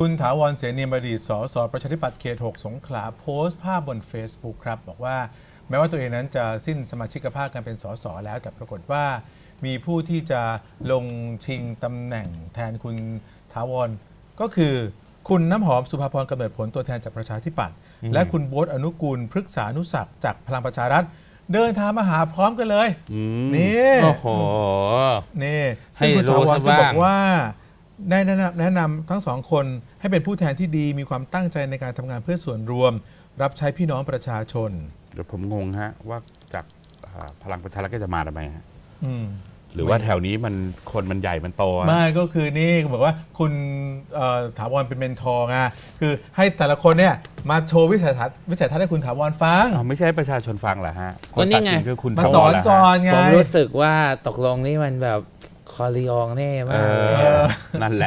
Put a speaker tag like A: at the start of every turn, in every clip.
A: คุณถาวร เสนียมอดีต สส ประชาธิปัตย์เขต 6 สงขลาโพสต์ภาพบน Facebook ครับบอกว่าแม้ว่าตัวเองนั้นจะสิ้นสมาชิกภาพการเป็นสสแล้วแต่ปรากฏว่ามีผู้ที่จะลงชิงตำแหน่งแทนคุณถาวรก็คือคุณน้ำหอมสุภาพรกำเนิดผลตัวแทนจากประชาธิปัตย์และคุณโบ๊ทอนุกูลพฤกษานุศักดิ์จากพลังประชารัฐเดินทางมาหาพร้อมกันเลยนี่
B: โอ้โห
A: นี่ซึ่งคุณถาวรก็บอกว่าได้แนะนำทั้งสองคนให้เป็นผู้แทนที่ดีมีความตั้งใจในการทำงานเพื่อส่วนรวม รับใช้พี่น้องประชาชน
B: เดี๋ยวผมงงฮะว่าจากพลังประชารัฐก็จะมาทำไมฮะ หรือ
A: ไม่
B: ว่าแถวนี้มันคนมันใหญ่มันโตอะ
A: ไม่ก็คือนี่บอกว่าคุณถาวรเป็นเมนทอร์ไงคือให้แต่ละคนเนี่ยมาโชว์วิสัยทัศน์ให้คุณถาวรฟัง
B: อ้าวไม่ใช่ให้ประชาชนฟังเหรอฮะค
C: ก็
B: น
C: นี่
B: ตัด
C: ไง
B: สินคือคุณ
A: มา
B: ถาว
A: สอน
B: รเหรอฮะ
A: ก่อนไง
C: ผมรู้สึกว่าตกลงนี่มันแบบคอริอองแน่มากเลยอะ
B: นั่นแหละ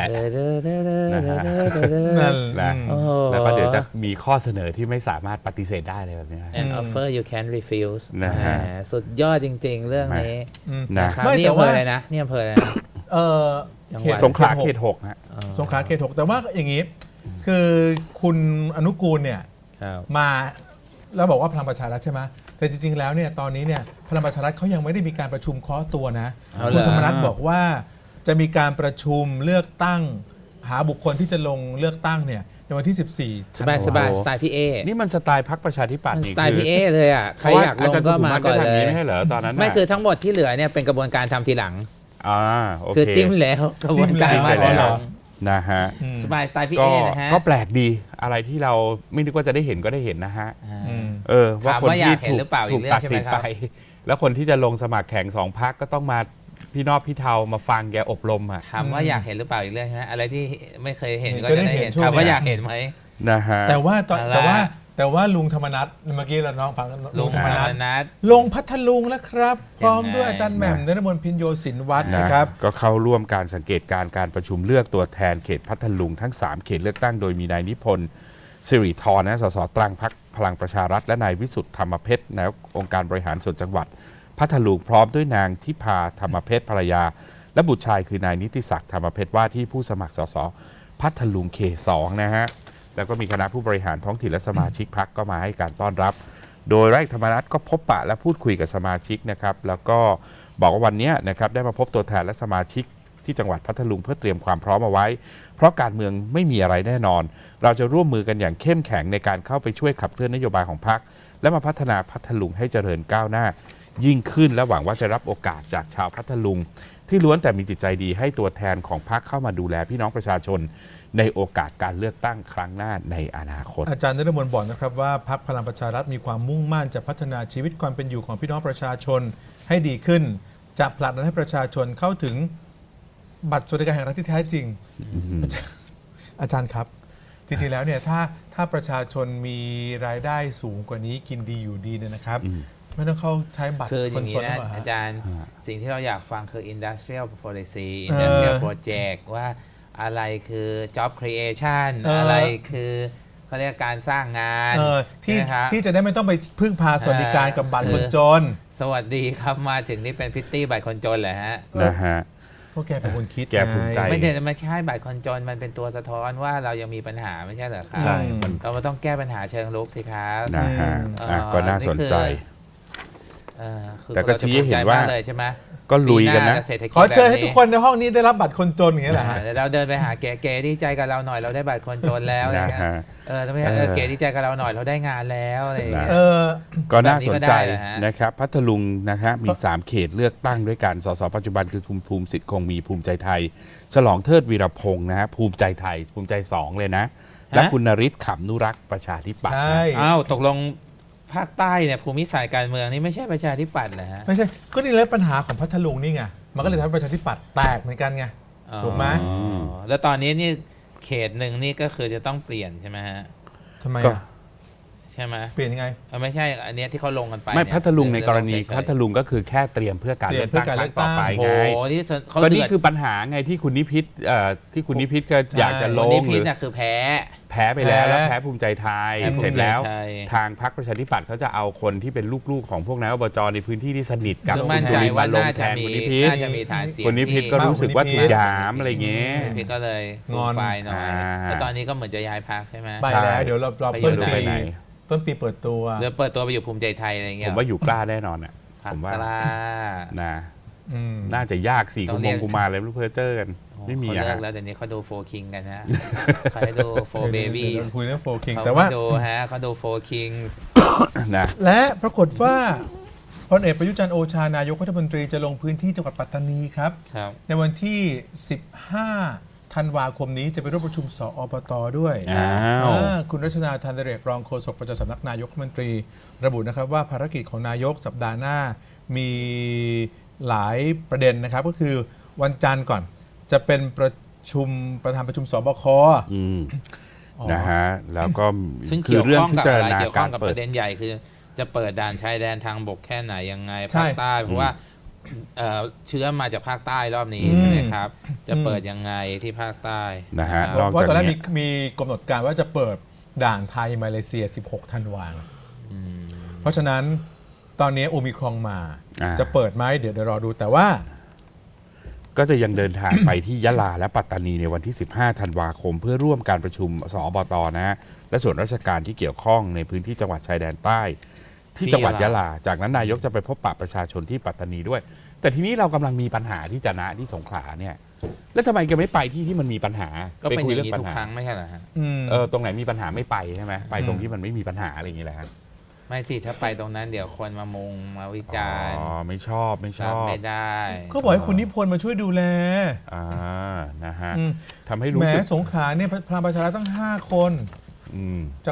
A: นั่น
B: นะ
C: โอ้โห
B: แล้วก็เดี๋ยวจะมีข้อเสนอที่ไม่สามารถปฏิเสธได้เลยแบบนี้ฮะ
C: An offer you can't refuse
B: นะฮะ
C: แหมสุดยอดจริง ๆ เรื่องนี้
B: นะ
C: นะครับ
A: ไม่
C: นี่
A: แต่
C: อำเภ
A: ว่า
C: ออะไรนะนี่อำเภออะไรนะ จังหวัด
B: สงขลาเขต 6 ฮะ
A: สงขลาเขต 6 แต่ว่าอย่างนี้ คือคุณอนุกูลเนี่ย
C: ครับ
A: มาแล้วบอกว่าพลังประชารัฐใช่ไหมแต่จริงๆแล้วเนี่ยตอนนี้เนี่ยพลังประชารัฐเขายังไม่ได้มีการประชุมเคาะตัวนะ
C: เอาเหรอ
A: คุณธรรมนัฐบอกว่าจะมีการประชุมเลือกตั้งหาบุคคลที่จะลงเลือกตั้งเนี่ยในวันที่ 14
C: สบายสบาย
B: โอ้โห
C: สไตล์พี่เอ
B: นี่มันสไตล์พรรคประชาธิปัตย์
C: มัน
B: นี่
C: สไตล์พี่เอเลยอ่ะใครอยากลงก็มาก่อนเลย
B: ไม่ใช่เหรอตอนนั้นน่ะ
C: ไม่คือทั้งหมดที่เหลือเนี่ยเป็นกระบวนการทำทีหลัง
B: โอเค
C: คือจิ้มแล้วกระบวนการ
B: จิ้ม
C: มา
B: ไป
C: ที
B: แล้
C: หลั
B: ว
C: ง
B: นะฮะ
C: สบายสไตล์พี่
B: ก็
C: เอนะฮะ
B: ก็แปลกดีอะไรที่เราไม่นึกว่าจะได้เห็นก็ได้เห็นนะฮะ ว่า
C: ถาม
B: คน
C: ว่าอยา
B: ที่
C: กเห็นหรือเปล่าอี
B: ถู
C: ก
B: ก
C: เรื่อง
B: ตัด
C: ใช่
B: สิ
C: ไหม
B: น
C: ค
B: ไป
C: รับ
B: แล้วคนที่จะลงสมัครแข่ง2 พรรคก็ต้องมาพี่นอกพี่เทามาฟังแกอบรมอ่ะ
C: ถามว่าอยากเห็นหรือเปล่าอีกเรื่องใช่ไหมอะไรที่ไม่เคยเห็นก็
A: ก็ได้
C: จะได้
A: เห็
C: เห็
A: น
C: น
A: ช่วง
C: ถามว่า
A: เนี้ย
C: อยากเห็นไหม
B: นะฮะ
A: แต่ว่าตอน
C: เอาละ
A: แต่ว่าลุงธรรมนัฐเมื่อกี้เราน้องฟัง
C: ลุงธรรมนัส
A: ลงพัทลุงแล้วครับ พร้อม
C: ยังไง
A: ด้วยอาจารย์แหม่ม
B: นะ
A: นฤมลพินโยศินวัฒน์
B: นะ
A: นะครับ
B: ก็เข้าร่วมการสังเกตการประชุมเลือกตัวแทนเขตพัทลุงทั้ง 3 เขตเลือกตั้งโดยมีนายนิพนธ์สิริธรนะสสตรังพรรคพลังประชารัฐและนายวิสุทธ์ธรรมเพชรนายกองค์การบริหารส่วนจังหวัดพัทลุงพร้อมด้วยนางทิพาธรรมเพชรภรรยา และบุตรชายคือนายนิติศักดิ์ธรรมเพชรว่าที่ผู้สมัครสสพัทลุงเขต 2 นะฮะแล้วก็มีคณะผู้บริหารท้องถิ่นและสมาชิกพรรคก็มาให้การต้อนรับ โดยร้อยเอกธรรมนัฐก็พบปะและพูดคุยกับสมาชิกนะครับแล้วก็บอกว่าวันนี้นะครับได้มาพบตัวแทนและสมาชิกที่จังหวัดพัทลุงเพื่อเตรียมความพร้อมเอาไว้ เพราะการเมืองไม่มีอะไรแน่นอน เราจะร่วมมือกันอย่างเข้มแข็งในการเข้าไปช่วยขับเคลื่อนนโยบายของพรรคและมาพัฒนาพัทลุงให้เจริญก้าวหน้า ยิ่งขึ้นและหวังว่าจะรับโอกาสจากชาวพัทลุงที่ล้วนแต่มีจิตใจดีให้ตัวแทนของพรรคเข้ามาดูแลพี่น้องประชาชน ในโอกาสการเลือกตั้งครั้งหน้าในอนาคต
A: อาจารย์นฤมลบอกนะครับว่าพรรคพลังประชารัฐมีความมุ่งมั่นจะพัฒนาชีวิตความเป็นอยู่ของพี่น้องประชาชนให้ดีขึ้น จะผลักดันให้ประชาชนเข้าถึงบัตรสวัสดิการแห่งรัฐที่แท้จริง อาจารย์ครับ จริงๆแล้วเนี่ยถ้าประชาชนมีรายได้สูงกว่านี้กินดีอยู่ดีเนี่ยนะครับ ไม่ต้องเข้าใช้บัตร
C: คืออ
A: ค
C: ย่าน งนี้
A: จนหรือ
C: นะ
A: เปล่าฮะ
C: อาจารย์สิ่งที่เราอยากฟังคือ industrial policy industrial project ว่าอะไรคือ job creation อะไรคือเขาเรียกการสร้างงาน
A: ที่
C: นะครับ
A: ที่จะได้ไม่ต้องไปพึ่งพาสวัสดิการกับบัตรคนจน
C: สวัสดีครับมาถึงนี่เป็นพิตตี้บัตรคนจนเหรอฮะ
B: นะฮะ
A: พวกแกเป็นคนคิด
B: แกภูมิใจ
A: ไง
C: ไม่ได้ไม่ใช่บัตรคนจนมันเป็นตัวสะท้อนว่าเรายังมีปัญหาไม่ใช่เหรอครับ
B: ใช่
C: เรามาต้องแก้ปัญหาเชิงรุกสิครับ
B: นะฮะ
C: อืม
B: ก็น่าสนใจ
C: คือ
B: แต่ก็ชี้ให้เห็นว่า
C: รจะภูมิใจมกเลยใช่ไหม
B: ก็ลุยกันนะ
C: ปีหาเศรษฐกิจ
A: ขอเชิญให้
C: แบบ
A: ทุกคนในห้องนี้ได้รับบัตรคนจนอย่างนี้ยแหละฮะ
C: เดี๋ยวเราเดินไปหาเก๋ๆดีใจกับเราหน่อยเราได้บัตรคนจนแล้วอะไร
B: นะ
C: เงี้ย
B: ฮะ
C: ทำไมเก๋ดีใจกับเราหน่อยเราได้งานแล้วอะไรอย่างเงี้ย
A: เออ
B: ก็น่าสนใจ
C: แบบนี้ก็ได้เหรอฮะ
B: นะครับพัทลุงนะฮะมี 3 เขตเลือกตั้งด้วยกันสสปัจจุบันคือคุณภูมิสิทธิ์คงมีภูมิใจไทย ฉลองเทิดวีรพงษ์นะฮะภูมิใจไทยภูมิใจ 2 เลยนะ และคุณนฤทธิ์ขำนุรักษ์ประชาธิปัตย์
A: ใช่
B: นะ
C: อ้าวตกลงภาคใต้เนี่ยภูมิศาสตร์การเมืองนี่ไม่ใช่ประชาธิปัตย์เหรอฮะ
A: ไม่ใช่ ก็นี่แหละปัญหาของพัทลุงนี่ไง มันก็เลยทำให้ประชาธิปัตย์แตกเหมือนกันไง ถูกไหม
C: อ๋อแล้วตอนนี้นี่เขตหนึ่งนี่ก็คือจะต้องเปลี่ยนใช่ไหมฮะ
A: ทำไม
B: ก็
A: อ่ะ
C: ใช่ไหม
A: เปลี่ยนยังไง
C: ไม่ใช่อันเนี้ยที่เขาลงกันไป
B: ไม่
C: เนี่ย
B: พัทลุงในกรณี
C: เรื่อง
B: พัทลุงก็คือแค่เตรียมเพื่อการ
A: เตรี
B: เลื
A: ย
B: อ
A: ม
B: ก
A: เพื่อ
B: ตั้ง
A: การ
B: ค
A: เลื
B: รั้
A: อก
B: งต่อไป
C: โอ้
B: ไง
C: โหนี่เขา
B: ก็
C: เดื
B: นี่
C: อด
B: คือปัญหาไงที่คุณนิพิษที่คุณนิพิษก็อยากจะล
C: วัน
B: ง
C: นี้
B: ห
C: พิ
B: รื
C: ษ
B: อ
C: น่ะคือแพ้
B: แพ้ไปแล้ว
A: แพ้
B: แล้วแพ้ภูมิใจไทย
C: แพ้ภูมิใจไทย
B: เสร็จแล้วทางพรรคประชาธิปัตย์เขาจะเอาคนที่เป็นลูกๆของพวกนายอบจในพื้นที่ที่สนิทกับ
C: คือมั่นใจว่า
B: ลง
C: น่า
B: แท
C: จะ
B: น
C: มี
B: คุณนิพิษ
C: น่าจะมีฐานเสียง
B: คุณนิพิษก็รู้สึกว่าถูกหยามอะไรเงี้ย
C: คุณนิพิษก็เลย
A: งอน
C: ไฟล์หน่อย
B: อ่า
C: แล้วตอนนี้ก็เหมือนจะย้ายพรรคใช่ไหม
A: ไปแล้วเดี๋ยวเรา
C: ไป
A: ต้น
C: อยู่ไหน
A: ปีต้นปีเปิดตัว
C: เดี๋ยวเปิดตัวไปอยู่ภูมิใจไทยอะไรเงี้
B: ผ
C: ย
B: มว่าอยู่กล้าแน่นอนอ่ะ
C: พรรค
B: ผมว่า
C: กล้า
B: นะ
A: อืม
B: น่าจะยากสี่
C: ต้
B: กุ
C: อง
B: ม
C: เรีย
B: ง
C: ก
B: กุมารเลยไม่รู้เพอเจอกันไม่มี
C: เขา
B: อะ
C: เลิ
B: ฮะ
C: กแล้วเดี๋ยวนี้เขาดูโฟคิงกันนะเขาดูโฟเบบี้
A: ดี๋ยวคุยเรื่องโฟคิง
C: เขา
A: แต่ว่า
C: ดูฮะเขาดูโฟคิง
B: นะ
A: และปรากฏว่าพลเอกประยุทธ์จันทร์โอชานายกรัฐมนตรีจะลงพื้นที่จังหวัดปัตตานีครับ
C: ครับ
A: ในวันที่ 15 ธันวาคมนี้จะไปร่วมประชุมสอบตด้วย
B: อ้าว
A: คุณรัชนาธันเดเรกรองโฆษกประจำสำนักนายกรัฐมนตรี ระบุนะครับว่าภารกิจของนายกสัปดาห์หน้ามีหลายประเด็นนะครับ ก็คือวันจันทร์ก่อนจะเป็นประธานประชุมสบค
B: อืม
A: อ๋อ
B: นะฮะแล้วก็
C: ซึ่ง
B: คื
C: เกี่
B: อ
C: ยว
B: เรื่อง
C: ข้อง
B: พิ
C: กับ
B: จาร
C: อะไร
B: ณา
C: เกี่ยวข้
B: กา
C: อง
B: ร
C: กับ
B: เปิ
C: ป
B: ด
C: ระเด็นใหญ่คือจะเปิดด่านชายแดนทางบกแค่ไหนยังไง
A: ใช่
C: ภาคใต้เพราะว่าเชื้อมาจากภาคใต้รอบนี้
A: อืม
C: ใช่ไหมครับ จะเปิดยังไงที่ภาคใต้
B: นะฮะ
C: ค
B: น
C: รั
B: อบ ก
A: ว่า
B: จาก
A: ตอนแรก
B: นี้
A: มีกำหนดการว่าจะเปิดด่านไทยมาเลเซีย 16 ธันวาคม
C: อืม
A: เพราะฉะนั้นตอนนี้โอมิครองมา
B: อ่า
A: จะเปิดไหมเดี๋ยวรอดูแต่ว่า
B: ก็จะยังเดินทางไปที่ยะลาและปัตตานีในวันที่ 15 ธันวาคม เพื่อร่วมการประชุมสอบตนะฮะและส่วนราชการที่เกี่ยวข้องในพื้นที่จังหวัดชายแดนใต้ ที่จังหวัดยะลา จากนั้นนายกจะไปพบปะประชาชนที่ปัตตานีด้วย แต่ทีนี้เรากำลังมีปัญหาที่จะนะที่สงขลาเนี่ย แล้วทำไมแกไม่ไปที่มันมีปัญหา
C: ก็เป็น
B: คุ
C: อย่าง
B: เรื่
C: นี้
B: ปั
C: ทุ
B: ญ
C: ก
B: หา
C: ครั้งไม่ใช่เหรอฮะ
B: ตรงไหนมีปัญหาไม่ไปใช่ไหมไปตรงที่มันไม่มีปัญหาอะไรอย่างนี้แหละฮะ
C: ไม่สิถ้าไปตรงนั้นเดี๋ยวคนมามุงมาวิจารณ์
B: อ๋อไม่ชอบไม่ช
C: รับ
B: อบ
C: ไม่ได้
A: ก็บอกให้คุณนิพนธ์มาช่วยดูแล
B: อ่านะฮะ
A: อืม
B: ทำให้
A: แห
B: รู้
A: ม
B: สึก
A: สงขลาเนี่ยพลังประชารัฐตั้ง 5 คน
B: อืม
A: จาก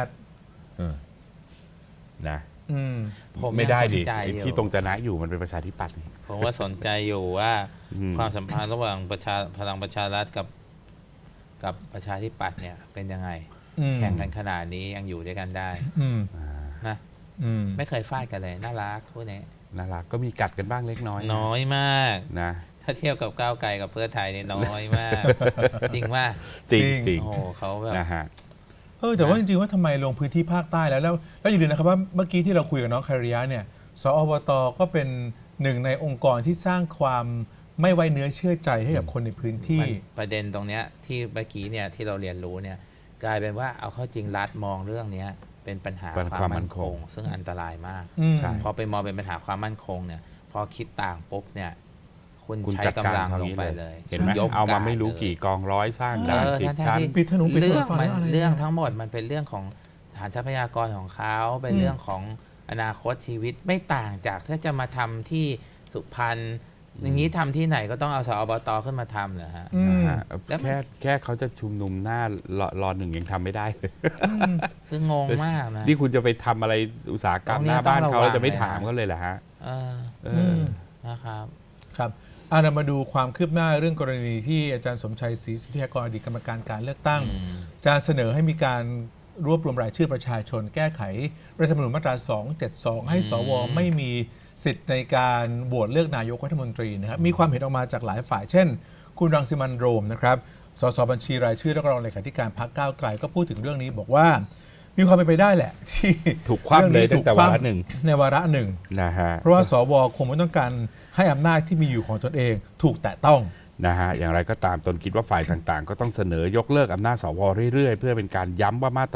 B: นะ
A: 8อืม
C: ผม
B: ไม่ได้ดิ
C: ยังสนใจ
B: ไอ้
C: อยู่
B: ที่ตรงจะนะอยู่มันเป็นประชาธิปัตย์นี่
C: ผมว่าสนใจอยู่ว่า
B: อืม
C: ความสัมพันธ์ระหว่างพลังประชารัฐกับประชาธิปัตย์เนี่ยเป็นยังไง
A: อืม
C: แข่งกันขนาดนี้ยังอยู่ด้วยกันได้
A: อืม
C: นะ
A: อืม
C: ไม่เคยฟาดกันเลยน่ารักพวกนี้
B: น่ารักก็มีกัดกันบ้างเล็กน้อย
C: น้อยมาก
B: นะ
C: ถ้าเทียบกับก้าวไกลกับเพื่อไทยเนี่ยน้อยมาก จริงว่า
B: จริง
A: จริง
B: จริง
C: โอ้โหเขาแบบ
B: นะฮะ
A: แต่ว่าจริงๆว่าทำไมลงพื้นที่ภาคใต้แล้วอย่าลืมนะครับว่าเมื่อกี้ที่เราคุยกับน้องคาริยะเนี่ยสอบตก็เป็นหนึ่งในองค์กรที่สร้างความไม่ไว้เนื้อเชื่อใจให้กับคนในพื้นที่
C: มันประเด็นตรงเนี้ยที่เมื่อกี้เนี่ยที่เราเรียนรู้เนี่ยกลายเป็นว่าเอาเข้าจริงรัฐมองเรื่องเนี้ยเป็นปัญหา
B: เป็น
C: ความ
B: ความมั่
C: มั่น
B: น
C: ค
B: ค
C: ง
B: ง
C: ซึ่งอันตรายมาก
A: อืม
B: ใช่
C: พอไปมองเป็นปัญหาความมั่นคงเนี่ยพอคิดต่างปุ๊บเนี่ยคุณ
B: คุณ
C: ใช้
B: จัดการ
C: กำลัง
B: เขา
C: ลง
B: นี้
C: ไป
B: เล
C: เลย ย
B: เห็นไหม
C: ยก
B: เอามา
C: ร์ด
B: ไม่รู้
C: เลย
B: กี่กองร้อยสร้างด่าน 10 ชั้น
A: ๆปิดถนนปิดถนน
C: เรื่อง
A: ไฟ
C: มัน
A: อะไรเนี่ย
C: เรื่องทั้งหมดมันเป็นเรื่องของฐานทรัพยากรของเขาเป็นเรื่องของอนาคตชีวิตไม่ต่างจากถ้าจะมาทำที่สุพรรณอย่างนี้ทำที่ไหนก็ต้องเอาสอบตขึ้นมาทำเหรอฮะ
A: อืม
B: นะฮะ
C: แล้วมัน
B: แค่เขาจะชุมนุมหน้ารอหนึ่งยังทำไม่ได้เลย
C: คืองงมากนะ
B: นี่คุณจะไปทำอะไรอุตสาหกรรม
C: ตรงนี้
B: หน้าบ้านเขา
C: ต้องระวัง
B: แล้วจะไม่
C: เลยนะ
B: ถามเขาเลยเหรอฮะ
C: เออ
B: เอ
A: อื
B: อ
A: ม
C: นะครับ
A: ครับเรามาดูความคืบหน้าเรื่องกรณีที่อาจารย์สมชัยศรีสุทธิยากรอดีตกรรมการการเลือกตั้ง จะเสนอให้มีการรวบรวมรายชื่อประชาชน แก้ไขรัฐธรรมนูญมาตรา 272 ให้สวไม่มีสิทธิ์ในการโหวตเลือกนายกรัฐมนตรีนะครับมีความเห็นออกมาจากหลายฝ่าย เช่น คุณรังสิมันต์โรมนะครับสสบัญชีรายชื่อและรองเลขาธิการพรรคก้าวไกลก็พูดถึงเรื่องนี้บอกว่ามีความเป็นไปได้แหละ ที่
B: ถูกคว่ำเลยตั้งแต่วาระหนึ่ง
A: ในวาระหนึ่ง
B: นะฮะ
A: เพราะว่าสวคงไม่ต้องการให้อำนาจที่มีอยู่ของตนเองถูกแตะต้อง
B: นะฮะอย่างไรก็ตามตนคิดว่าฝ่ายต่างๆ ก็ต้องเสนอยกเลิกอำนาจสวเรื่อยๆ เพื่อเป็นการย้ำว่ามาตรา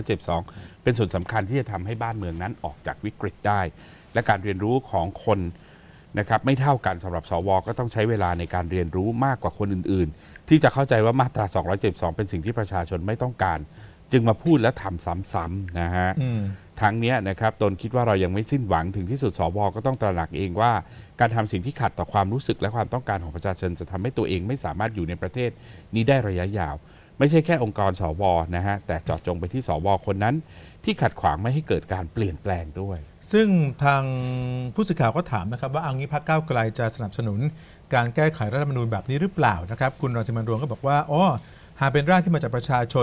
B: 272 เป็นส่วนสำคัญที่จะทำให้บ้านเมืองนั้นออกจากวิกฤตได้ และการเรียนรู้ของคนนะครับไม่เท่ากันสำหรับสวก็ต้องใช้เวลาในการเรียนรู้มากกว่าคนอื่นๆ ที่จะเข้าใจว่ามาตรา 272 เป็นสิ่งที่ประชาชนไม่ต้องการ จึงมาพูดและทำซ้ำๆนะฮะ ทั้งนี้นะครับตนคิดว่าเรายังไม่สิ้นหวังถึงที่สุดสวก็ต้องตระหนักเองว่าการทำสิ่งที่ขัดต่อความรู้สึกและความต้องการของประชาชนจะทำให้ตัวเองไม่สามารถอยู่ในประเทศนี้ได้ระยะยาว ไม่ใช่แค่องค์กรสวนะฮะแต่เจาะจงไปที่สวคนนั้นที่ขัดขวางไม่ให้เกิดการเปลี่ยนแปลงด้วย
A: ซึ่งทางผู้สื่อข่าวก็ถามนะครับว่าเอางี้พรรคก้าวไกลจะสนับสนุนการแก้ไขรัฐธรรมนูญแบบนี้หรือเปล่านะครับคุณรังสิมันต์โรมก็บอกว่าหากเป็นร่างที่มาจากประชาชน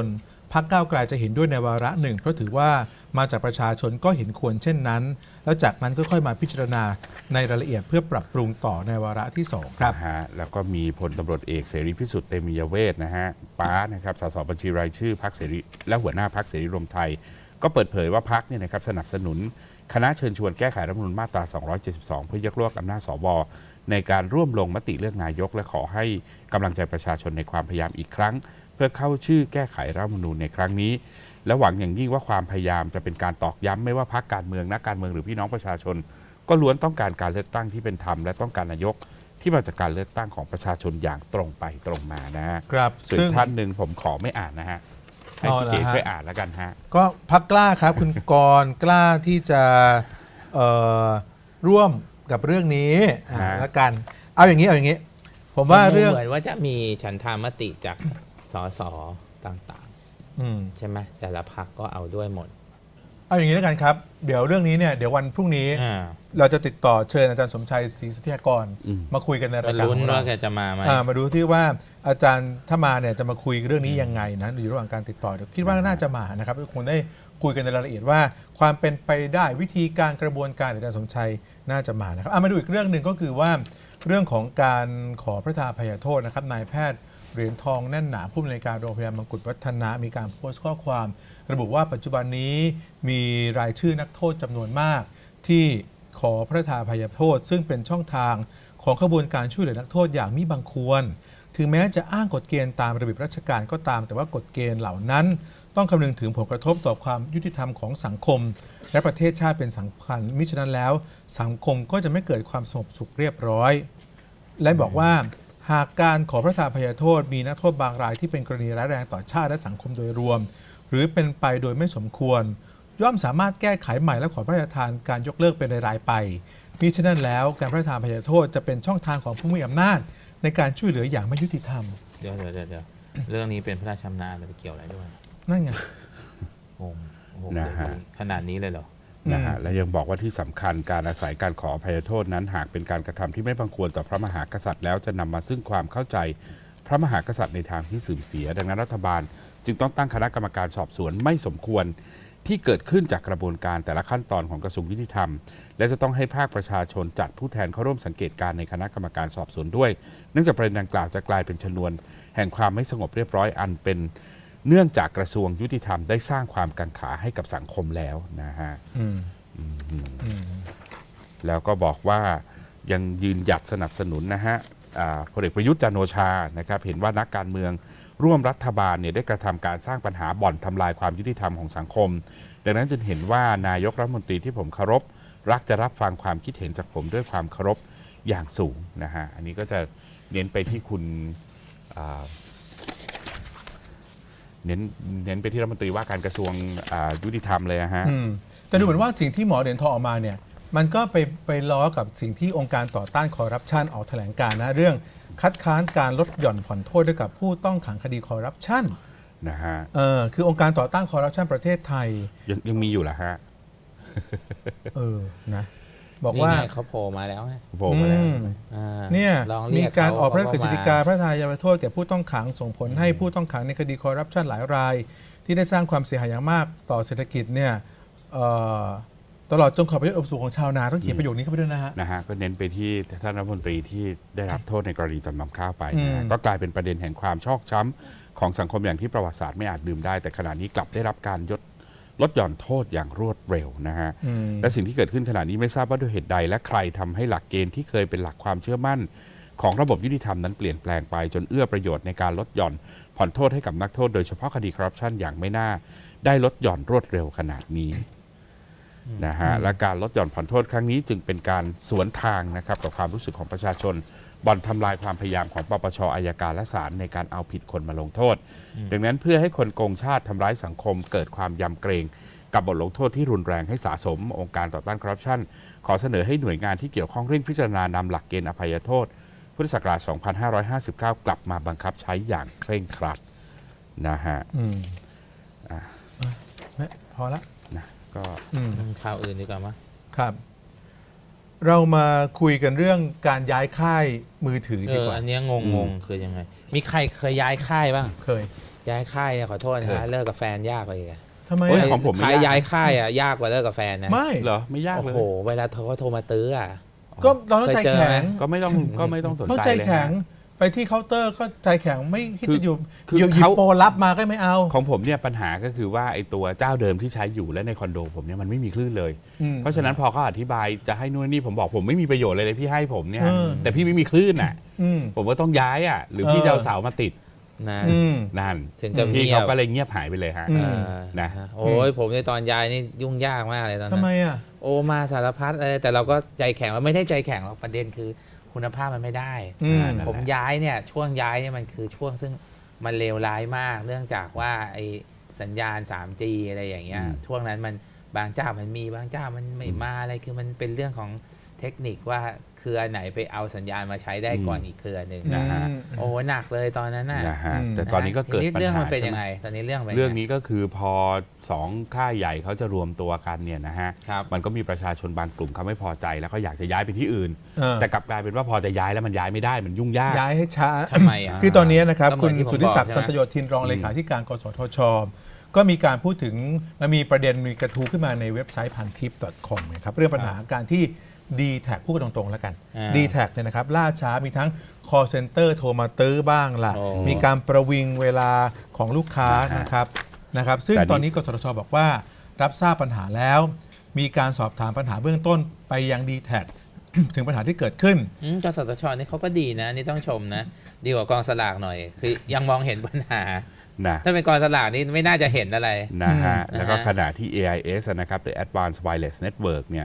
A: พรรคก้าวไกลจะเห็นด้วยในวาระหนึ่งเพราะถือว่ามาจากประชาชนก็เห็นควรเช่นนั้น แล้วจากนั้นก็ค่อยมาพิจารณาในรายละเอียดเพื่อปรับปรุงต่อในวาระที่ 2 ครับ
B: นะฮะแล้วก็มีพลตำรวจเอกเสรีพิสุทธิ์เตมียเวทนะฮะป้านะครับสสบัญชีรายชื่อพรรคเสรีและหัวหน้าพรรคเสรีรวมไทย ก็เปิดเผยว่าพรรคเนี่ยนะครับสนับสนุนคณะเชิญชวนแก้ไขรัฐธรรมนูญมาตรา 272 เพื่อยกเลิกอำนาจสวในการร่วมลงมติเลือกนายกและขอให้กำลังใจประชาชนในความพยายามอีกครั้ง เพื่อเข้าชื่อแก้ไขรัฐธรรมนูญในครั้งนี้ และหวังอย่างยิ่งว่าความพยายามจะเป็นการตอกย้ำไม่ว่าพรรคการเมืองนักการเมืองหรือพี่น้องประชาชน ก็ล้วนต้องการการเลือกตั้งที่เป็นธรรมและต้องการนายกที่มาจากการเลือกตั้งของประชาชนอย่างตรงไปตรงมานะฮะ
A: ครับ
B: ส่วนท่านหนึ่งผมขอไม่อ่านนะฮะให้พี่เก๋
A: เหรอฮะ
B: ช่วยอ่านแล้วกันฮะ
A: ก็พรรคกล้าครับ คุณกรณ์กล้าที่จะเอ่อร่วมกับเรื่องนี้แล้วกันเอาอย่างนี้ ผมว่าเรื่อง
C: เหมือนว่าจะมีฉันทามติจากสสต่าง
A: อืม
C: ๆ ใช่ไหมแต่ละพรรคก็เอาด้วยหมด
A: เอาอย่างนี้แล้วกันครับ เดี๋ยวเรื่องนี้เนี่ยเดี๋ยววันพรุ่งนี้ เราจะติดต่อเชิญอาจารย์สมชัยศรีสุทธิยากร มาคุยกันในรายการ
C: ลุ้น
A: ของเรา
C: ว่าแกจะมาไหม
A: มาดูที่ว่าอาจารย์ถ้ามาเนี่ยจะมาคุยเรื่องนี้ยังไงนะอยู่ระหว่างการติดต่อเดี๋ยวคิดว่าน่าจะมานะครับคงได้คุยกันในรายละเอียดว่าความเป็นไปได้วิธีการกระบวนการอาจารย์สมชัยน่าจะมานะครับมาดูอีกเรื่องหนึ่งก็คือว่าเรื่องของการขอพระทาอภัยโทษนะครับนายแพทย์เหรียญทองแน่นหนาผู้อำนวยการโรงพยาบาลมงกุฎวัฒนะมีการโพสต์ข้อความ ระบุว่าปัจจุบันนี้มีรายชื่อนักโทษจำนวนมาก ที่ขอพระทาอภัยโทษ ซึ่งเป็นช่องทางของขบวนการช่วยเหลือนักโทษอย่างมิบังควร ถึงแม้จะอ้างกฎเกณฑ์ตามระเบียบราชการก็ตาม แต่ว่ากฎเกณฑ์เหล่านั้น ต้องคำนึงถึงผลกระทบต่อความยุติธรรมของสังคม และประเทศชาติเป็นสำคัญมิฉะนั้นแล้ว สังคมก็จะไม่เกิดความสงบสุขเรียบร้อย และบอกว่าหากการขอพระทาอภัยโทษมีนักโทษบางรายที่เป็นกรณีร้ายแรงต่อชาติและสังคมโดยรวม หรือเป็นไปโดยไม่สมควร ย่อมสามารถแก้ไขใหม่และขอพระราชทานการยกเลิกเป็นรายๆไปมิฉะนั้นแล้วการพระราชทานอภัยโทษจะเป็นช่องทางของผู้มีอำนาจในการช่วยเหลืออย่างไม่ยุติธรรม
C: เดี๋ยวเรื่องนี้เป็นพระราชอำนาจไปเกี่ยวอะไรด้วย
A: นั่นไง
C: งงโอ้โห
B: นะฮะ
C: ขนาดนี้เลยเหรอ
B: นะฮะและยังบอกว่าที่สำคัญการอาศัยการขออภัยโทษนั้น หากเป็นการกระทำที่ไม่บังควรต่อพระมหากษัตริย์แล้วจะนำมาซึ่งความเข้าใจพระมหากษัตริย์ในทางที่เสื่อมเสีย ดังนั้นรัฐบาลจึงต้องตั้งคณะกรรมการสอบสวนไม่สมควรที่เกิดขึ้นจากกระบวนการแต่ละขั้นตอนของกระทรวงยุติธรรม และจะต้องให้ภาคประชาชนจัดผู้แทนเข้าร่วมสังเกตการณ์ในคณะกรรมการสอบสวนด้วยเนื่องจากประเด็นดังกล่าวจะกลายเป็นชนวนแห่งความไม่สงบเรียบร้อยอันเป็นเนื่องจากกระทรวงยุติธรรมได้สร้างความกังขาให้กับสังคมแล้วนะฮะ แล้วก็บอกว่ายังยืนหยัดสนับสนุนนะฮะพลเอกประยุทธ์จันทร์โอชานะครับเห็นว่านักการเมืองร่วมรัฐบาลเนี่ยได้กระทำการสร้างปัญหาบ่อนทำลายความยุติธรรมของสังคม ดังนั้นจึงเห็นว่านายกรัฐมนตรีที่ผมเคารพรักจะรับฟังความคิดเห็นจากผมด้วยความเคารพอย่างสูงนะฮะอันนี้ก็จะเน้นไปที่คุณเน้นไปที่รัฐมนตรีว่าการกระทรวงยุติธรรมเลยนะฮะ
A: แต่ดูเหมือนว่าสิ่งที่หมอเหรียญทองออกมาเนี่ยมันก็ไปล้อกับสิ่งที่องค์การต่อต้านคอร์รัปชันออกแถลงการณ์นะเรื่องคัดค้านการลดหย่อนผ่อนโทษให้กับผู้ต้องขังคดีคอร์รัปชัน
B: นะฮะ
A: คือองค์การต่อต้านคอร์รัปชันประเทศไทย
B: ยังมีอยู่เหรอฮะ
A: นะบอกว่า
C: นี่ไงเขาโผล่มาแล้วไง
B: โผล่มาแล้ว
A: เนี่ย
C: ลองเรี
A: มี
C: ยก
A: การออกพระราช
C: เขา
A: กฤษฎีกาพระทายาโทษแก่ผู้ต้องขังส่งผลให้ผู้ต้องขังในคดีคอร์รัปชันหลายราย ที่ได้สร้างความเสียหายอย่างมากต่อเศรษฐกิจเนี่ยตลอดจนขอบประโยชน์อบสูงของชาวนาต้องเขียนประโยคนี้เข้าไปด้วยนะฮะ
B: ก็เน้นไปที่ท่านรัฐมนตรีที่ได้รับโทษในกรณีจำนำข้าวไปนะฮะก็กลายเป็นประเด็นแห่งความชอกช้ำของสังคมอย่างที่ประวัติศาสตร์ไม่อาจลืมได้แต่ขณะนี้กลับได้รับการลดหย่อนโทษอย่างรวดเร็วนะฮะและสิ่งที่เกิดขึ้นขณะนี้ไม่ทราบว่าด้วยเหตุใดและใครทำให้หลักเกณฑ์ที่เคยเป็นหลักความเชื่อมั่นของระบบยุติธรรมนั้นเปลี่ยนแปลงไปจนเอื้อประโยชน์ในการลดหย่อนผ่อนโทษให้กับนักโทษโดยเฉพาะคดีคอร์รัปชันอย่างไม่น่าได้ลดหย่อนรวดเร็วขนาดนี้นะฮะและการลดหย่อนผ่อนโทษครั้งนี้จึงเป็นการสวนทางนะครับกับความรู้สึกของประชาชนบ่อนทำลายความพยายามของปปชอัยการและศาลในการเอาผิดคนมาลงโทษดังนั้นเพื่อให้คนโกงชาติทำร้ายสังคมเกิดความยำเกรงกับบทลงโทษที่รุนแรงให้สะสมองค์การต่อต้านคอร์รัปชันขอเสนอให้หน่วยงานที่เกี่ยวข้องเร่งพิจารณานำหลักเกณฑ์อภัยโทษพุทธศักราช 2559 กลับมาบังคับใช้อย่างเคร่งครัดนะฮะ
A: พอละ
B: นะก็
C: ข่าวอื่นดีกว่ามั้ย
A: ครับ เรามาคุยกันเรื่องการย้ายค่ายมือถือดีกว่า
C: อันนี้งงคือยังไงมีใครเคยย้ายค่ายบ้าง
A: เคย
C: ย้ายค่ายเนี่ยขอโทษนะ
B: เคย
C: ฮะเลิกกับแฟนยากกว่าอีกอะ
A: ทำไม
B: โอ้ย
A: อะ
B: ของผมไม่
C: ขาย
B: ยาก
C: ย้ายค่ายอะยากกว่าเลิกกับแฟนนะ
A: ไม่
B: เหรอไม่ยาก
C: โอ้
B: เลย
C: โหเวลาเขาโทรมาตื้ออะ
A: ก็เราต้องใจ
C: เคยเจอ
A: แข็
C: ไหม
A: ง
B: ก็ไม่ต้องสน
A: เขา
B: ใจ
A: ใจ
B: เลย
A: แข็ง
B: ฮะ
A: ไปที่เคาน์เตอร์ก็ใจแข็งไม่คิด
B: คือ
A: จะอยู่
B: คือ
A: หยิบ
B: เขา
A: โปรรับมาก็ไม่เอา
B: ของผมเนี่ยปัญหาก็คือว่าไอ้ตัวเจ้าเดิมที่ใช้อยู่และในคอนโดผมเนี่ยมันไม่มีคลื่นเลย เพราะฉะนั้นพอเขาอธิบายจะให้นู่นนี่ผมบอกผมไม่มีประโยชน์เลยพี่ให้ผมเนี่ย แต่พี่ไม่มีคลื่นอ่ะ
A: อืม
B: ผมก็ต้องย้ายอ่ะหรือพี่จะเอาเสามาติด
C: นะ
A: อืม
B: นั่น
C: ถึงกับ
B: พี่
C: เงีย
B: เขา
C: บ
B: ก็เลยเงียบหายไปเลยฮะ
A: อืม
B: นะ
C: โอ้ยผมในตอนย้ายนี่ยุ่งยากมากเลยตอน
A: ทำ
C: นั้น
A: ไมอ่ะ
C: โอ้มาสารพัดอะไรแต่เราก็ใจแข็งว่าไม่ได้ใจแข็งหรอกประเด็นคือคุณภาพมันไม่ได้
A: อืม
C: ผมย้ายเนี่ยช่วงย้ายเนี่ยมันคือช่วงซึ่งมันเลวร้ายมาก เนื่องจากว่าไอ้สัญญาณ 3G อะไรอย่างเงี้ย
B: อืม
C: ช่วงนั้นมันบางเจ้ามันมีบางเจ้ามันไม่มาอะไรคือมันเป็นเรื่องของเทคนิคว่าเครือไหนไปเอาสัญญาณมาใช้ได้ก่อนอีกเครือหนึ่ง
B: นะฮะ
C: โอ้หนักเลยตอนนั้นน่ะ
B: นะฮะ
A: อืม
B: แต่ตอนนี้ก็เกิด
C: ที
B: ปัญ
C: เรื่อง
B: หา
C: มันเป็น
B: ใช่
C: ยัง
B: ไหม
C: ไงตอนนี้เรื่องเป็น
B: เรื่อง
C: ยังไง
B: นี้ก็คือพอสองค่ายใหญ่เขาจะรวมตัวกันเนี่ยนะฮะ
C: ครับ
B: มันก็มีประชาชนบางกลุ่มเขาไม่พอใจแล้วเขาอยากจะย้ายไปที่อื่น
A: เออ
B: แต่กลับกลายเป็นว่าพอจะย้ายแล้วมันย้ายไม่ได้มันยุ่งยาก
A: ย้ายให้ช้า
C: ทำไมอ่ะ
A: คือตอนนี้นะครับ
C: ก็เหมื
A: คุ
C: อ
A: ณ
C: นที่ผม
A: สุทธิศักดิ์
C: บอกใช่
A: ตั
C: ไหม
A: นตโยธินรองเลขาธิการกสทช ก็มีการพูดถึงมันมีประเด็นมีกระทู้ขึ้นมาในเว็บไซต์พันทิป .com นะครับเรื่องปัญหาการที่ d t แทพูดกันตรงๆแล้วกัน d t แทเนี่ยนะครับล่าช้ามีทั้ง call center โทรมาตื้อบ้างล่ะ
C: โอ้
A: มีการประวิงเวลาของลูกค้า
B: นะฮะ
A: นะครับซึ่ง
B: แต่นี่
A: ตอนนี้กสทช บอกว่ารับทราบปัญหาแล้ว มีการสอบถามปัญหาเบื้องต้นไปยัง d t แท ถึงปัญหาที่เกิดขึ้น
C: กสทชนี่เขาก็ดีนะนี่ต้องชมนะ ดีกว่ากองสลากหน่อย คือยังมองเห็นปัญหา
B: นะ
C: ถ้าเป็นกองสลากนี่ไม่น่าจะเห็นอะไร
B: นะฮะ
C: อืม
B: แล้วก็
C: นะฮะ
B: ขณะที่ AIS นะครับ The Advanced Wireless Network เนี่ย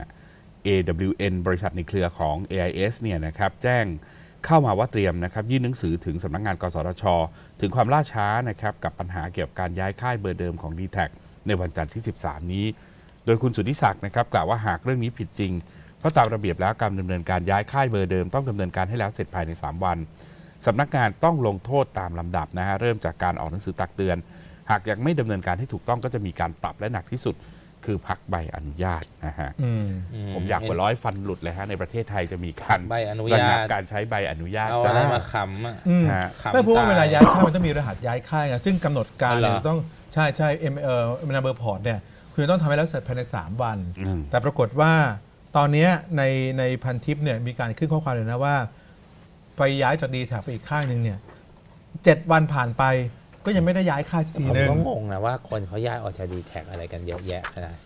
B: AWN บริษัทในเครือของ AIS เนี่ยนะครับแจ้งเข้ามาว่าเตรียมนะครับยื่นหนังสือถึงสำนักงานกสทช ถึงความล่าช้านะครับกับปัญหาเกี่ยวกับการย้ายค่ายเบอร์เดิมของ d t แทในวันจันทร์ที่ 13 นี้ โดยคุณสุทธิศักดิ์นะครับกล่าวว่าหากเรื่องนี้ผิดจริง เพราะตามระเบียบแล้วการดำเนินการย้ายค่ายเบอร์เดิมต้องดำเนินการให้แล้วเสร็จภายใน 3 วันสำนักงานต้องลงโทษตามลำดับนะฮะเริ่มจากการออกหนังสือตักเตือน หากยังไม่ดำเนินการให้ถูกต้องก็จะมีการปรับและหนักที่สุด คือพักใบอนุญาตนะฮะ
A: อืม
B: ผมอยากกว่าร้อยฟันหลุดเลยฮะในประเทศไทยจะมีการ
C: ใบอนุ
B: ระ
C: ญา
B: งับ
C: ต
B: การใช้ใบอนุญาต
C: เอา
B: จ้า
C: อะไรมาขำอ่ะ
A: อืม
B: ฮะ
C: ขำ
A: ไม่เพราะว่า
C: ต
A: เวลาย้ายค่ายมันต้องมีรหัสย้ายค่ายไงซึ่งกำหนดการ
C: อ๋อเหรอ
A: เนี่ยต้องใช่นัมเบอร์พอร์ตเนี่ยคุณจะต้องทำให้แล้วเสร็จภายใน 3 วัน
B: อืม
A: แต่ปรากฏว่าตอนเนี้ยในพันทิปเนี่ยมีการขึ้นข้อความเลยนะว่า ไปย้ายจากดีแท็ไปอีกค่ายหนึ่งเนี่ย7 วันผ่านไปก็ยังไม่ได้ย้ายค่ายสักที
C: ผม
A: นึง
C: ก็งงนะว่าคนเขาย้ายออกจากดีแท็อะไรกันเยอะแยะขนาด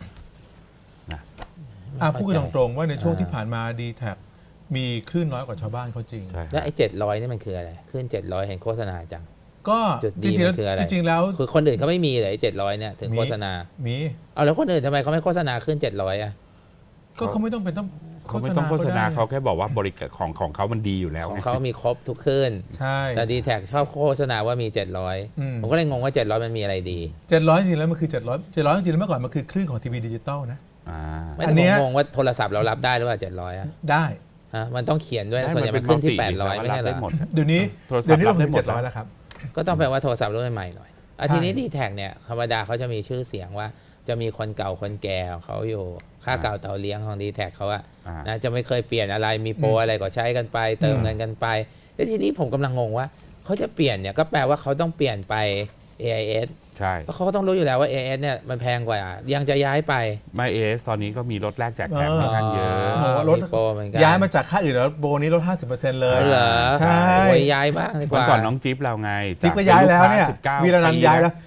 A: พูดกันตรงๆว่าในช่วงที่ผ่านมาดีแท็มีคลื่นน้อยกว่าชาวบ้านเขาจริง
B: ใช่
C: แล้วไอ้700นี่มันคืออะไรขึ้น700เห็นโฆษณาจัง
A: ก็
C: จุด
A: จ
C: ดี
A: ริงๆ
C: มันคืออะไร
A: จริงๆแล้ว
C: คือคนอื่นเขาไม่มีเลย700เนี่ยถึง
A: มี
C: โฆษณา
A: มี
C: เอาแล้วคนอื่นทำไมเขาไม่โฆษณาขึ้น700อ่ะ
A: ก็เขาไม่ต้องเป็นต้อง
B: เขาไม่ต้องโฆษณา
A: ก็ได้
B: เขาแค่บอกว่าบริการของเขามันดีอยู่แล้ว
C: ของ
B: ไง
C: เขามีครบทุกขึ้น
A: ใช่
C: แต่ดีแท็ชอบโฆษณาว่ามี
A: อืม
C: 700 ผมก็เลยงงว่า 700 มันมีอะไรดี
A: 700จริงๆแล้วมันคือ700จริงๆแล้วเมื่อก่อนมันคือคลื่นของทีวีดิจิตอลนะ
B: อ่า
C: ไม่
A: อั
C: แต่
A: นเนี้ย
C: ผมงงว่าโทรศัพท์เรารับได้หรือเปล่า700อ่ะ
A: ได้
C: ฮะมันต้องเขียนด้วย
B: ได้
C: ส่วนใหญ่มันขึ้นที่800 ไม่ใช่เหร
B: ได้
C: อ
B: หมด
A: เดี๋ยวนี้
B: โทรศัพท์
A: เดี๋ยวนี้เรา
B: รับได้
A: ถึง
B: หมด
A: 700แล้วครับ
C: ก็ต้องแปลว่าโทรศัพท์รุ่นใหม่ๆหน่อยอ่ะ
A: ใช่
C: ทีนี้ดีแท็เนี่ยธรรมดาเขาจะมีชื่อเสียงว่า จะมีคนเก่าคนแก่ของเขาอยู่ ค่าเก่าเตาเลี้ยงของดีแท็เขาอะ
B: อ่า
C: นะจะไม่เคยเปลี่ยนอะไรมีโปรอะไรก็ใช้กันไป เติมเงินกันไปแล้วทีนี้ผมกำลังงงว่าเขาจะเปลี่ยนเนี่ยก็แปลว่าเขาต้องเปลี่ยนไป AIS
B: ใช่
C: เพราะเขาก็ต้องรู้อยู่แล้วว่า AIS เนี่ยมันแพงกว่ายังจะย้ายไป
B: ไม่เอสตอนนี้ก็มีรถแลกแจกแถมค่อนข้างเยอะ
A: โอ้โหรถ
C: มีโปรเหมือนกัน
A: ย้ายมาจากค่ายอื่นแล้วโบนี้ลด 50%เลย
C: เหรอ
A: ใช่
C: โอ้ยย้ายบ้างดีก
B: วัน
C: ว่า
B: ก่อนน้องจิ๊บเราไง
A: จิ๊บก็ย้ายแล้วเนี่ย
B: 19
A: วีรนันท์ย้ายแล้ว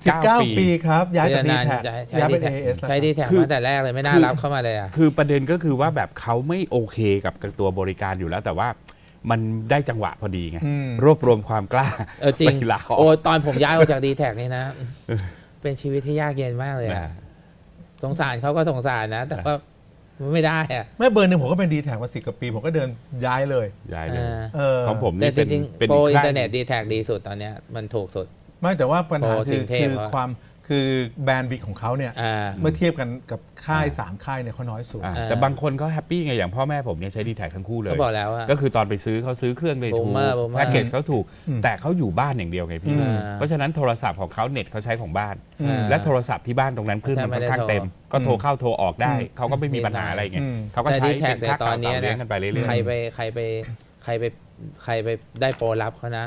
B: 19
A: ปีครับย้ายจากดี
C: นาน
A: แท็
C: ใช้
A: ย้าย
C: ดี
A: เป็น
C: แท็
A: AS แล้ว
C: ใช้ดีแท็
B: คือ
C: มาแต่แรกเลยไม่น่ารับเข้ามาเลยอ่ะ
B: คือประเด็นก็คือว่าแบบเขาไม่โอเคกับตัวบริการอยู่แล้ว แต่ว่ามันได้จังหวะพอดีไง
A: อืม
B: รวบรวมความกล้า
C: จริง
B: ไปลาออก
C: โอ้ตอนผมย้ายออกจากดีแท็นี่นะ เป็นชีวิตที่ยากเย็นมากเลยอะ
B: นะ
C: สงสารเขาก็สงสารนะ แต่ก็ไม่ได้อะ
A: แม่เบอร์หนึ่งผมก็เป็นดีแท็มา10 กว่าปี ผมก็เดินย้ายเลย
B: ย้ายเลย
A: เออ
B: ของผม
C: แต่
B: นี่
C: จ
B: เป็น
C: ริง
B: เป็น
C: ๆโปร
B: อีก
C: อิน
B: ค่าย
C: เทอร์เน็ตดีแท็ดีสุดตอนเนี้ยมันถูกสุด
A: ไม่แต่ว่าปัญหา
C: โอ้
A: คือ
C: ถึงเทพ
A: คือ
C: อะ
A: ความคือแบรนด์วิกของเขาเนี่ย
C: อ่า
A: เมื่อเทียบกันกับค่าย 3 ค่ายเนี่ยเขาน้อยสุด
B: แต่บางคนเขาแฮปปี้ไงอย่างพ่อแม่ผมเนี่ยใช้ดีแท็ทั้งคู่เลย
C: ก็บอกแล้วว่า
B: ก็คือตอนไปซื้อเขาซื้อเครื่องเลยถูก
C: Boomer
B: แพ็กเกจเขาถูก
A: อืม
B: แต่เขาอยู่บ้านอย่างเดียวไงพี่
A: อืม
B: เพราะฉะนั้นโทรศัพท์ของเขาเน็ตเขาใช้ของบ้าน
A: อืม
B: และโทรศัพท์ที่บ้านตรงนั้นคลื่นมันค่อนข้างเต็ม ก็โทรเข้าโทรออกได้
A: อืม
B: เขาก็ไม่มีปัญหาอะไรไง
A: อืม
B: เขาก็
C: แต่
B: ใช้
C: ดีแท็
B: เป็น
C: ใน
B: ค่า
C: ตอ
B: เก่าน
C: เนี้
B: เต่าย เลี้ยง
C: นะ
B: กันไปเรื่อย
C: ใครไปได้โปรรับเขานะ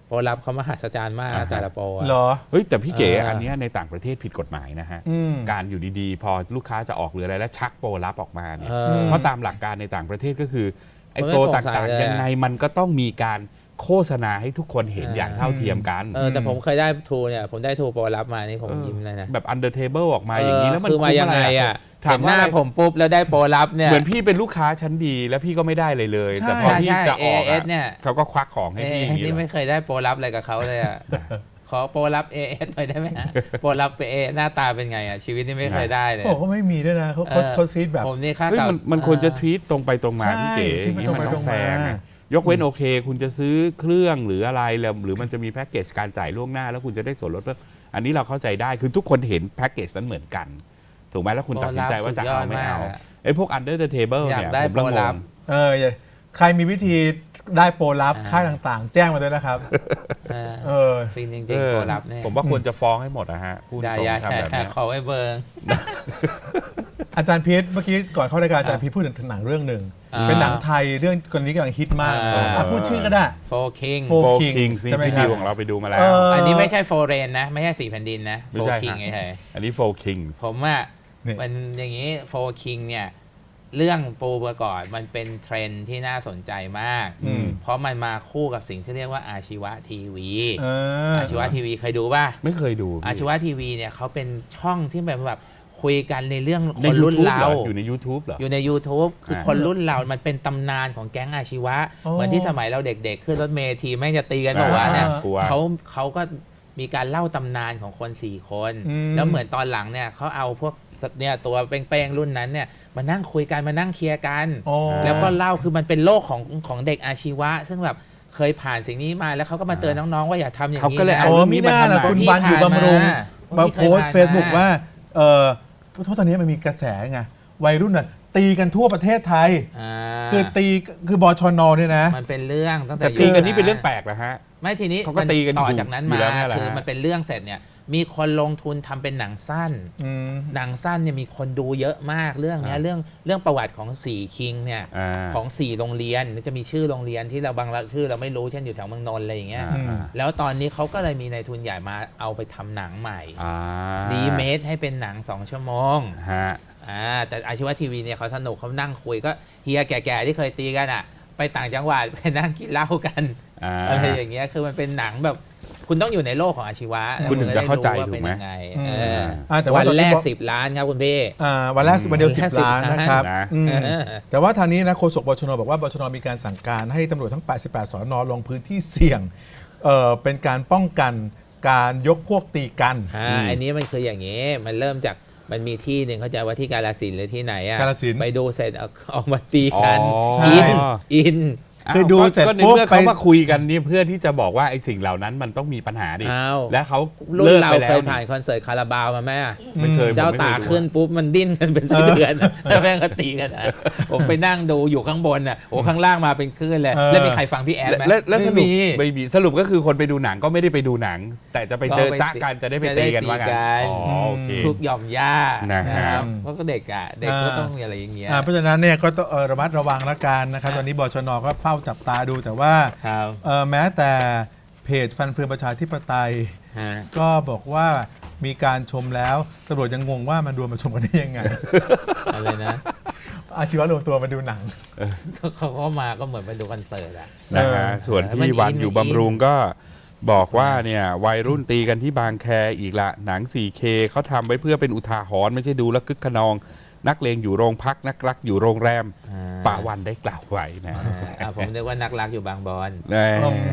C: โปรลับเขามหัศจรรย์มากนะแต่ละโปรอะ
A: เหรอ
B: เฮ้ยแต่พี่เก๋
C: เอออั
B: อันเนี้ยในต่างประเทศผิดกฎหมายนะฮะ
A: อืม
B: การอยู่ดีๆ พอลูกค้าจะออกหรืออะไรแล้วชักโปรลับออกมาเนี่ย
C: เออ
B: เพราะตามหลักการในต่างประเทศก็คือไอ้
C: มันไม่
B: โปร
C: โปร่
B: ต่
C: งใส
B: าง
C: เลย
B: ๆยังไงมันก็ต้องมีการโฆษณาให้ทุกคนเห็นอย่างเท่าเทียมกัน
C: แต่ผมเคยได้ทูเนี่ยผมได้ทูโปรลับมานี่ผมยิ้มเลยนะ
B: แบบ under table ออกมาอย่างนี้แล้วมัน
C: คือมายังไงอ่ะ
B: ถา
C: เห็
B: ม
C: นห
B: ว่า
C: น้า
B: อะไร
C: ผมปุ๊บแล้วได้โปรลับเนี่ย
B: เหมือนพี่เป็นลูกค้าชั้นดีแล้วพี่ก็ไม่ได้เลย
A: ใช่
B: แต่พอพี่
C: ใช่
B: จะออก
C: AIS เนี่ย
B: เขาก็ควักของให้พี่อย่างนี้
C: นี่
B: เหร
C: ไม่
B: อ
C: เคยได้โปรลับอะไรกับเขาเลยอ่ะ ขอโปรลับ AS หน่อยได้ไหมฮะโปรลับเอหน้าตาเป็นไงอ่ะชีวิตนี่ไม่เคยได้เลย
A: เขาบอกว่าไม่มีด้วยนะเขาทรีตแบบ
C: ผมนี่ค่า
B: เฮ้ย
C: เก่า
B: มันควรจะทวีตตรงไปตรงมา
A: ใช่
B: พี่เก๋อย่างนี้
A: ที่มัน
B: มัน
A: ตรงไป
B: ต้องแฟร์
A: ตรงมา
B: ไงยกเว้นโอเค คุณจะซื้อเครื่องหรืออะไรแล้วหรือมันจะมีแพ็กเกจการจ่ายล่วงหน้า แล้วคุณจะได้ส่วนลดเพิ่มอันนี้เราเข้าใจได้คือทุกคนเห็นแพ็กเกจนั้นเหมือนกัน ถูกไหมแล้วคุณตัดสินใจว่าจะเอาไม่เอาไอ้พวก under the table
C: อยาก
B: เนี่ย
C: ได้
B: ผมละ
C: โปรง ลับ
B: ง
A: ใครมีวิธีได้โปรลับ
C: อ่า
A: ค่ายต่างๆ แจ้งมาด้วยนะครับ เออ
C: ฟินจริง
B: เอ
C: ๆ
B: อ
C: โปรลับเนี่ย
B: ผมว่าควรจะฟ้องให้หมดนะฮะพูด
C: อย่า
B: ตรง
C: อย่า
B: ทำแบบเนี้ย
C: ขอไว้เบอร์
A: อาจารย์พีทเมื่อกี้ก่อนเข้ารายการอาจารย์พีทพูดถึงหนังเรื่องหนึ่ง เป็นหนังไทยเรื่องคนนี้กำลังฮิตมาก พูดชื่อก็ได้
C: โฟคิง
A: Four
B: โฟ
A: Kings
B: คิงส์นี่
A: ใช่ไหม
B: พี่
A: ครับ
B: ดิวของเราไปดูมาแล้
A: เอ
B: ว
A: อ
C: อันนี้ไม่ใช่โฟเรนนะ ไม่ใช่สี่แผ่นดินนะ
B: ไม่
C: โฟ
B: ใช่
C: คิง
B: ครับ
C: ไง
B: อันนี้โฟคิงส์
C: ผมว่า
A: นี่
C: มันอย่างนี้โฟคิงเนี่ย เรื่องปูประกอบมันเป็นเทรนด์ที่น่าสนใจมาก
A: อืม
C: เพราะมันมาคู่กับสิ่งที่เรียกว่าอาชีวะทีวี
A: เออ
C: อาชีวะทีวีเคยดูป่ะ
B: ไม่เคยดูพี่
C: อาชีวะทีวีเนี่ยเขาเป็นช่องที่แบบคุยกันในเรื่องค
B: ใน
C: นรุ่น
B: YouTube
C: เรา
B: เหรออยู่ใน YouTube เหรอ
C: อยู่ใน YouTube คือ
B: อ่า
C: คนรุ่นเรา มันเป็นตำนานของแก๊งอาชีวะ
A: อ๋อ
C: เหมือนที่สมัยเราเด็กๆ ขึ้นรถเมล์ทีแม่งจะตีกันบอกว่าเนี่ย
B: กลัว
C: เขาก็มีการเล่าตำนานของคน 4 คน
A: อืม
C: แล้วเหมือนตอนหลังเนี่ยเขาเอาพวกเนี่ยตัวเป้งๆรุ่นนั้นเนี่ยมานั่งคุยกันมานั่งเคลียร์กัน
A: อ๋อ
C: แล้วก็เล่าคือมันเป็นโลกของเด็กอาชีวะ ซึ่งแบบเคยผ่านสิ่งนี้มาแล้วเขาก็มาเตือนน้องๆว่าอย่าทำอย่าง
B: เขา
C: นี้
B: ก็เลย
C: นะ
B: เอา
A: โอ้มีหน้าล่ะ
B: เรื่องนี้
A: คุณ
B: มา
A: บันอยู่บำรุง มา
C: พี่
A: โพสต์
C: คย
A: เฟซบุ๊ก
C: ผ่นม
A: ว่าเพราะตอนนี้มันมีกระแสไงวัยรุ่นน่ะตีกันทั่วประเทศไทย
C: อ่า
A: คือบชนเนี่ยนะ
C: มันเป็นเรื่องตั้งแต่
B: แต่ตีกันนี่เป็นเรื่องแปลกนะฮะ
C: ไม่ทีนี้
B: เขาก็ตีกัน
C: ต่อ
B: อยู่
C: จากนั้น
B: อยู่
C: มา
B: แล้วเนี่ยแหละ
C: คือ
B: ฮะ
C: มันเป็นเรื่องเสร็จเนี่ยมีคนลงทุนทำเป็นหนังสั้น
A: อืม
C: หนังสั้นเนี่ยมีคนดูเยอะมากเรื่องเนี้ยเรื่องประวัติของสี่คิงเนี่ย
B: อ่า
C: ของ4โรงเรียนจะมีชื่อโรงเรียนที่เราบางชื่อเราไม่รู้เช่นอยู่แถวเมืองนนท์อะไรอย่างเงี้ย
B: อ่า
C: แล้วตอนนี้เขาก็เลยมีนายทุนใหญ่มาเอาไปทำหนังใหม่
B: อ่า
C: ดีเมทให้เป็นหนัง2 ชั่วโมง
B: ฮะ
C: แต่อาชีวะทีวีเนี่ยเขาสนุกเขานั่งคุยก็เฮียแก่ๆที่เคยตีกันอ่ะ ไปต่างจังหวัดไปนั่งกินเหล้ากัน
B: อ่า
C: อะไรอย่างเงี้ยคือมันเป็นหนังแบบคุณต้องอยู่ในโลกของอาชีวะ
B: คุณถึงจะเข้าใจ
C: แล้วคุณ
B: ถูกไหม
C: ด้รู้ว่าเป็นยังไง
A: อืม
C: เออ
A: แต่ว่า
C: วัน
A: ตอนนี้
C: แรก
A: บอก
C: 10 ล้านครับคุณพี่
A: วันแรกวันเดียว
C: แค่
A: 10 ล้าน
C: 10
A: นะครับ
B: นะ
A: อืม
C: เออ
A: แต่ว่าทางนี้นะโฆษกบชนบอกว่าบชนมีการสั่งการให้ตำรวจทั้ง 88 สนลงพื้นที่เสี่ยงเป็นการป้องกันการยกพวกตีกัน
C: อันนี้มันคืออย่างนี้ มันเริ่มจากมันมีที่หนึ่งเข้าใจว่าที่กาฬสินธุ์หรือที่ไหนอ่ะ
A: กาฬสินธุ์
C: ไปดูเสร็จเอามาตีกัน
B: อ๋อ
A: ใช่
C: อิน
A: คือดูเสร็จ
B: ก็ใน
A: ปุ๊บ
B: เมื่อ
A: ไป
B: เขามาคุยกันนี่เพื่อที่จะบอกว่าไอ้สิ่งเหล่านั้นมันต้องมีปัญหาดิ
C: อ้าว
B: และเขา
C: รุ่น
B: เลิก
C: เรา
B: ไปแล้
C: เคว ยผ่านคอนเสิร์ตคาราบาวมาไหมอะ
B: ไม่เคย
C: เจ้า
B: ผมไม่
C: ตา
B: เคยดู
C: ขึ้นปุ๊บมันดิ้นกันเป็นไส้เดือนอะแล้วแม่งก็ตีกันอะผมไปนั่งดูอยู่ข้างบนอ่ะโอ้ข้างล่างมาเป็นคลื่นเลย แล้วมีใครฟังพี่แอดไหม
B: และส
C: ไม่
B: รุป
C: มี
B: ไม่มีสรุปก็คือคนไปดูหนังก็ไม่ได้ไปดูหนัง แต่จะไปเจอ
C: ก็ไป
B: จ้ากันจะได้ไปตีกันว่ากัน
C: จะได้ตีกัน
B: อ๋อโอเค
C: ทุกหย่อมย่า
B: นะฮะ
C: ครับเพราะก็เด็กอ่ะเด็กก็ต้องมีอะไรอย่างเงี้ย
A: เพราะฉะนั้นเนี่ยก็ต้องระมัดระวังละกันนะครับตอนนี้บชนก็เฝ้าจับตาดูแต่ว่า
C: ครับ
A: แม้แต่เพจฟันเฟืองประชาธิปไตย
C: ฮะ
A: ก็บอกว่ามีการชมแล้วตำรวจยังงงว่ามันรวมมาชมกันได้ยังไง
C: อะไรนะ
A: อาชีวะรวมตัวมาดูหนัง
C: เขาก็มาก็เหมือนไปดูคอนเสิร์ตอ่ะ
B: นะฮะส่วน
C: มัน
B: พี่
C: อิน
B: วันอยู่
C: มันอิน
B: บำรุงก็บอกว่าเนี่ยวัยรุ่นตีกันที่บางแคอีกละหนัง 4K เขาทำไว้เพื่อเป็นอุทาหรณ์ไม่ใช่ดูแล้วคึกขนอง นักเลงอยู่โรงพักนักรักอยู่โรงแรมป่าวันได้กล่าวไว้นะ
C: ผมนึกว่านักรักอยู่บางบอน
B: แน่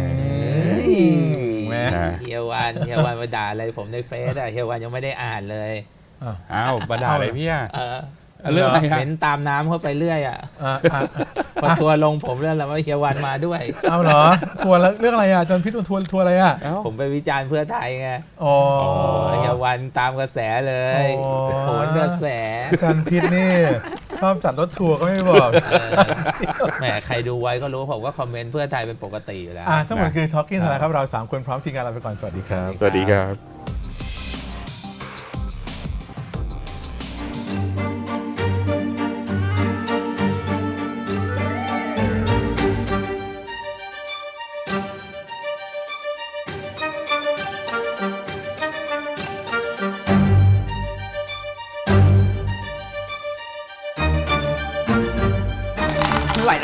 A: แหม
C: เฮียวันมาด่าอะไรผมในเฟซอะเฮียวันยังไม่ได้อ่านเลย
B: อ้าวมาด่าอะไรพี่อะ
C: เออ
B: เรื่องอะไรฮะ
C: เห็นตามน้ำเข้าไปเรื่อยอ่ะ
A: อ่ะ
C: พอทัวร์ลงผมเรื่องแล้วว่าเฮียวันมาด้วย
A: เอาเหรอทัวร์แล้วเรื่องอะไรอ่ะอาจารย์พิษทัวร์อะไรอ่ะ
B: เอ้า
C: ผมไปวิจารณ์เพื่อไทยไง
A: อ๋อ
C: เฮียวันตามกระแสเลย
A: อ๋อ
C: โหนกระแส
A: อาจารย์พิษนี่ชอบจัดรถทัวร์ก็ไม่บอก
C: แหมใครดูไว้ก็รู้ผมว่าคอมเมนต์เพื่อไทยเป็นปกติอยู่แล้ว
A: ทั้งหมดคือ Talking นะครับเรา 3 คนพร้อมทีมงานลาไปก่อนสวัสดีครับ
B: สวัสดีครับ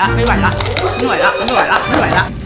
D: ละไม่ไหวละไม่ไหวละไม่ไหวละไม่ไหวละ